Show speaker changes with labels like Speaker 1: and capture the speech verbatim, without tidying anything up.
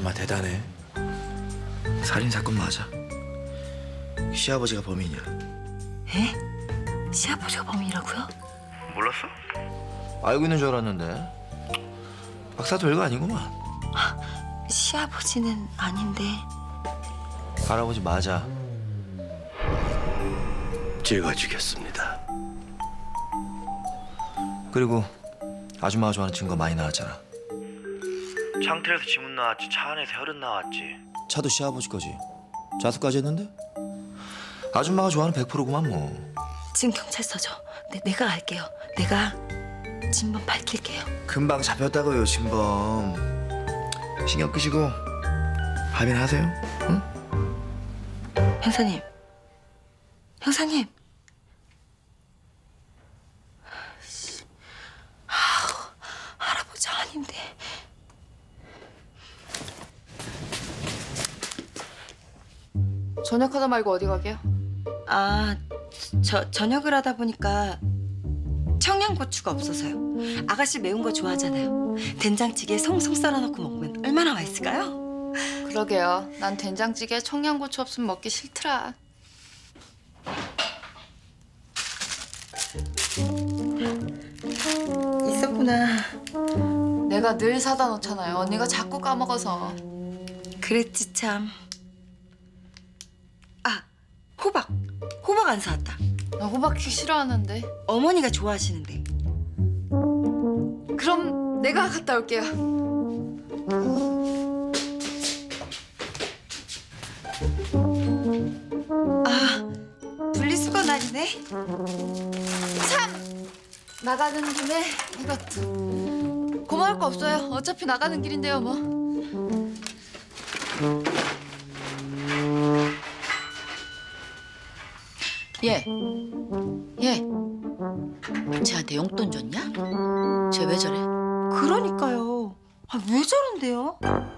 Speaker 1: 엄마 대단해. 살인사건 맞아. 시아버지가 범인이야.
Speaker 2: 에? 시아버지가 범인이라고요?
Speaker 1: 몰랐어? 알고 있는 줄 알았는데. 박사 별거 아니구만.
Speaker 2: 시아버지는 아닌데.
Speaker 1: 할아버지 맞아.
Speaker 3: 제가 지겠습니다.
Speaker 1: 그리고 아줌마가 좋아하는 증거 많이 나왔잖아. 창틀에서 지문 나왔지, 차 안에서 혈흔 나왔지. 차도 시아버지 거지. 자수까지 했는데? 아줌마가 좋아하는 백 퍼센트구만 뭐.
Speaker 2: 지금 경찰서죠. 네, 내가 갈게요. 내가 진범 밝힐게요.
Speaker 1: 금방 잡혔다고요, 진범. 신경 끄시고 합의는 하세요. 응?
Speaker 2: 형사님. 형사님. 아우, 할아버지 아닌데.
Speaker 4: 저녁하다 말고 어디 가게요?
Speaker 2: 아, 저 저녁을 하다 보니까 청양고추가 없어서요. 아가씨 매운 거 좋아하잖아요. 된장찌개에 송송 썰어놓고 먹으면 얼마나 맛있을까요?
Speaker 4: 그러게요. 난 된장찌개에 청양고추 없으면 먹기 싫더라.
Speaker 2: 있었구나.
Speaker 4: 내가 늘 사다 놓잖아요. 언니가 자꾸 까먹어서.
Speaker 2: 그랬지 참. 아, 호박. 호박 안 사왔다.
Speaker 4: 나 호박죽 싫어하는데.
Speaker 2: 어머니가 좋아하시는데.
Speaker 4: 그럼 내가 갔다 올게요.
Speaker 2: 아, 분리수거 날이네.
Speaker 4: 참! 나가는 김에 이것도. 고마울 거 없어요. 어차피 나가는 길인데요, 뭐.
Speaker 5: 얘, 얘, 쟤한테 용돈 줬냐? 쟤 왜 저래?
Speaker 2: 그러니까요. 아, 왜 저런데요?